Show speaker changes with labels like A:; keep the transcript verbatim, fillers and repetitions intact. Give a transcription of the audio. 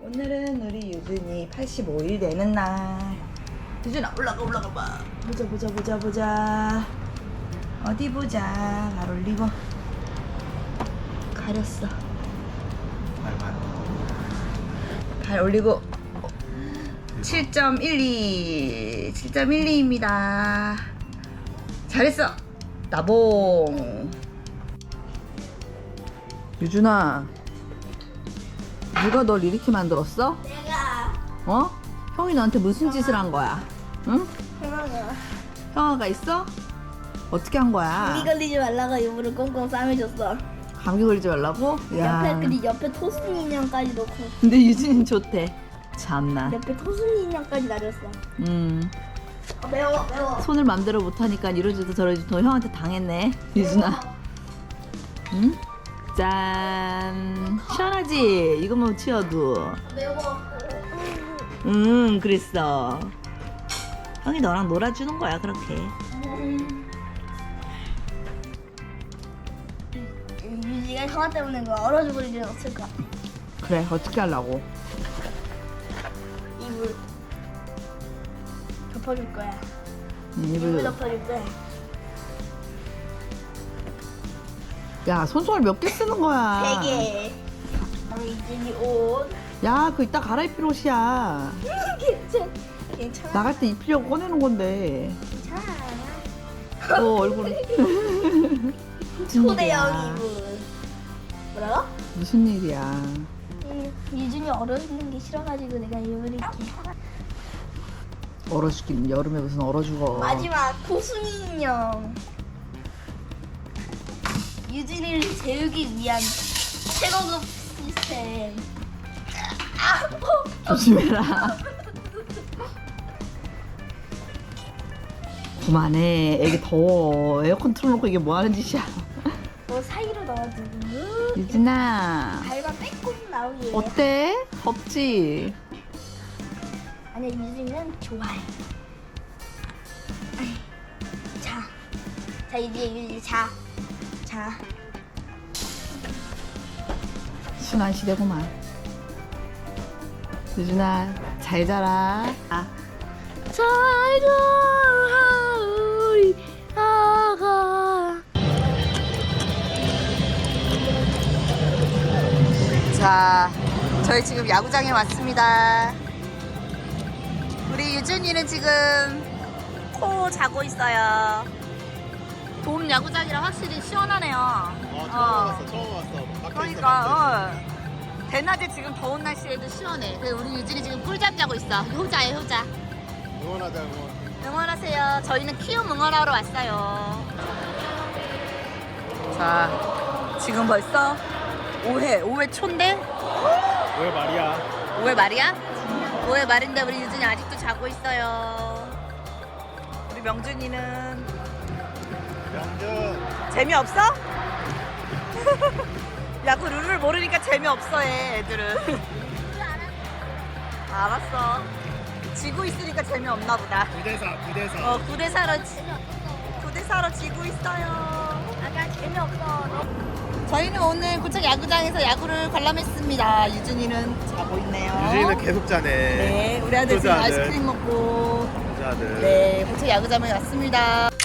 A: 오늘은 우리 유준이 팔십오 일 되는 날. 유준아 올라가 올라가 봐. 보자 보자 보자 보자. 어디 보자. 발 올리고. 가렸어. 발 올리고. 칠 점 일이 칠 점 일이입니다. 잘했어. 나봉. 유준아, 누가 널 이렇게 만들었어?
B: 내가
A: 어? 형이 너한테 무슨 짓을 한 거야? 응?
B: 형아가
A: 형아가 있어? 어떻게 한 거야?
B: 감기 걸리지 말라고 일부러 꽁꽁 싸매줬어.
A: 감기 걸리지 말라고?
B: 옆에 그리고 옆에 토순 인형까지 넣고
A: 근데 유진이 좋대. 참나.
B: 옆에 토순 인형까지 날렸어.
A: 음.
B: 아, 매워 매워.
A: 손을 맘대로 못하니까 이러지도 저러지도 형한테 당했네. 유준아. 응? 짠. 시원하지? 이거만 치워도.
B: 매워.
A: 응, 그랬어. 형이 너랑 놀아주는 거야, 그렇게.
B: 유지가 형아 때문에 그 얼어 죽을 일은 없을 것 같아.
A: 그래, 어떻게 하려고?
B: 이불 덮어줄 거야.
A: 응,
B: 이불
A: 이불.
B: 덮어줄 거야.
A: 야, 손수건 몇 개 쓰는 거야?
B: 세 개. 우리 이진이 옷.
A: 야, 그거 이따 갈아입힐 옷이야.
B: 괜찮 괜찮아.
A: 나갈 때 입히려고 꺼내는 건데.
B: 괜찮아.
A: 너 얼굴. 무슨
B: 초대형
A: 일이야?
B: 이불. 뭐라고?
A: 무슨 일이야?
B: 음, 유준이 얼어 죽는 게 싫어가지고 내가 이불 입게.
A: 얼어 죽긴 여름에 무슨 얼어 죽어.
B: 마지막 고순이 인형. 유진이를 재우기 위한 최고급 시스템. 아,
A: 조심해라. 그만해. 애기 더워. 에어컨 틀어놓고 이게 뭐 하는 짓이야.
B: 뭐 사이로 넣어두고
A: 유진아,
B: 발만 빼꼼 나오게.
A: 어때? 덥지?
B: 아니야, 유진이는 좋아해. 아이, 자, 자 이제 유진이 자, 자.
A: 순환 시대구만. 유진아, 잘 자라. 아.
B: 잘 자라 우리 아가.
A: 자, 저희 지금 야구장에 왔습니다. 우리 유준이는 지금 코 자고 있어요. 봄 야구장이라 확실히 시원하네요.
C: 어, 처음 왔어, 처음 왔어. 밖에
A: 그러니까 어. 대낮에 지금 더운 날씨에도 시원해. 그래서 우리 유진이 지금 꿀잠 자고 있어. 효자예요, 효자.
C: 있어. 응원하자, 응원.
A: 응원하세요. 저희는 키움 응원하러 왔어요. 자, 지금 벌써 오 회, 오 회 초인데?
C: 왜 말이야?
A: 오 회 말이야? 오 회 말인데 우리 유진이 아직도 자고 있어요. 우리 명준이는
C: 명준.
A: 재미없어? 야구 룰을 모르니까 재미없어 해, 애들은. 알았어. 지고 있으니까 재미없나 보다.
C: 구 대 사, 구 대 사.
A: 어, 구 대 사로 구 대 사로 지고 있어요.
B: 아까 재미없어.
A: 저희는 오늘 고척 야구장에서 야구를 관람했습니다. 유준이는 자고 있네요.
C: 유진이는 계속 자네.
A: 네, 우리 아들 지금
C: 효자 아들.
A: 아이스크림 먹고
C: 효자 아들.
A: 네, 고척 야구장에 왔습니다.